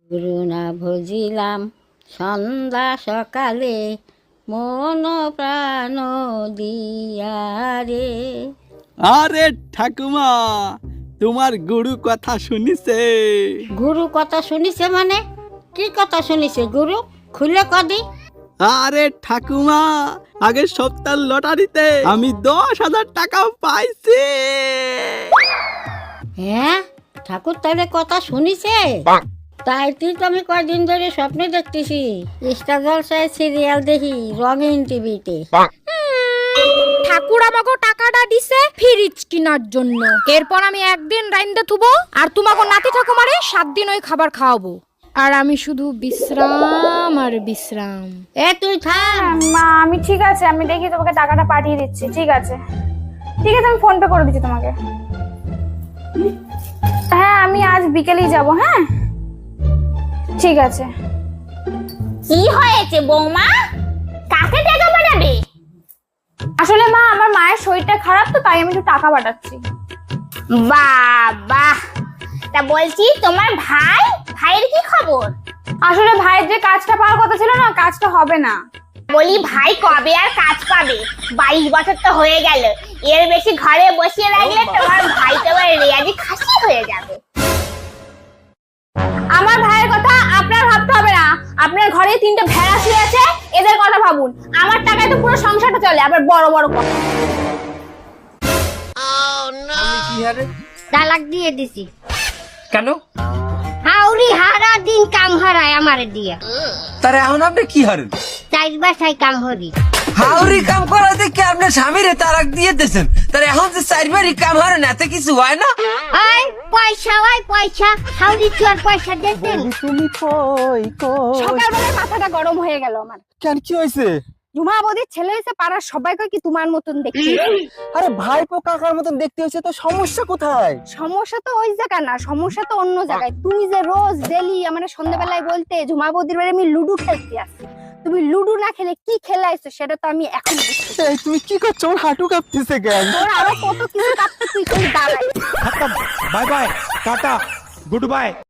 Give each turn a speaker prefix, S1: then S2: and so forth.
S1: গুরু না ভজিলাম সন্ধ্যা সকালে মন প্রাণ দিয়া রে।
S2: আরে ঠাকুমা, তোমার গুরু কথা শুনিছে?
S1: গুরু কথা শুনিছে মানে কি কথা শুনিছে গুরু? খুলে কদি।
S2: আরে ঠাকুমা, আগের সপ্তাহ লটারিতে আমি 10,000 টাকা পাইছি।
S1: হ্যাঁ, ঠাকুর তাহলে কথা শুনিছে? তাই তুই তো আমি কয়দিন ধরে স্বপ্নে দেখতেছি, স্টার জলসায় সিরিয়াল দেখি রঙিন টিভিতে।
S3: ঠাকুর আমাকে টাকাটা দিছে ফ্রিজ কেনার জন্য। এরপর আমি একদিন রাইন্দা থুবো আর তোমাকে নাতি ঠাকুমারে 7 দিন ওই খাবার খাওয়াবো। আর আমি শুধু বিশ্রাম আর বিশ্রাম।
S1: এ তুই থাম।
S4: মা আমি ঠিক আছে, আমি দেখি তোমাকে টাকাটা পাঠিয়ে দিচ্ছি। ঠিক আছে ঠিক আছে, আমি ফোন পে করে দিচ্ছি তোমাকে। হ্যাঁ আমি আজ বিকেলেই যাব। হ্যাঁ ঠিক আছে।
S5: কি হয়েছে বৌমা? কাকে টাকা পাঠাবে?
S4: আসলে মা আমার মায়ের শরীরটা খারাপ, তো তাই আমি একটু টাকা পাঠাচ্ছি।
S5: বাবা, তা বলছি তোমার ভাইয়ের কি খবর?
S4: আসলে ভাইয়ের যে কাজটা পাওয়ার কথা ছিল না, কাজটা হবে না।
S5: বলি ভাই কবে আর কাজ পাবে? 22 বছর তো হয়ে গেল। এর বেশি ঘরে বসিয়ে রাখলে তোমার ভাই তো এবার রেয়াজি খাসি হয়ে যাবে।
S4: আমার ভাইয়ের কথা আপনার ভাবতে হবে না। আপনার ঘরে 3টে ভেড়া শুয়ে আছে, এদের কথা ভাবুন। আমার টাকায় তো পুরো সংসারটা চলে, আবার বড় বড় কথা।
S1: তালাক দিয়ে দিছি।
S6: কেন?
S1: হাউরি হারা দিন কাম হারায় আমারে দিয়া।
S6: তার এখন আপনি কি হারেন?
S1: চাইর বাসায় কাম হরি।
S6: হাউরি কাম করা দেখে আপনার স্বামীরে তারাক দিয়ে দিয়েছেন। তার এখন যে চারবারই কাম হারেন, এতে কিছু হয় না?
S1: আয় পয়সা, ওই পয়সা হাউরি চুয়ার পয়সা দেন।
S2: তুমি কই কই?
S4: সকালবেলায় মাথাটা গরম হয়ে গেল আমার।
S2: কেন, কি হয়েছে?
S4: জুমা বৌদির ছেলে হয়েছে, পাড়ার সবাই কয় কি তোমার মতন দেখতে।
S2: আরে ভাইপো কাকার মতন দেখতে হয়েছে, তো সমস্যা কোথায়?
S4: সমস্যা তো ওই জায়গা না, সমস্যা তো অন্য জায়গায়। তুমি যে রোজ ডেলি আমার সন্ধ্যাবেলায় বলতে ঝুমা বৌদির বাড়ি আমি লুডু খেলতে আসি, তুমি লুডু না খেলে কি খেলাইছো সেটা তো আমি এখন বুঝছি।
S2: এই তুমি কি করছো? ওর হাঁটু কাঁপতেছে কেন?
S4: তোর আরো কত কিছু কাটতে তুই দাঁড়াই।
S7: Bye bye, tata, good by.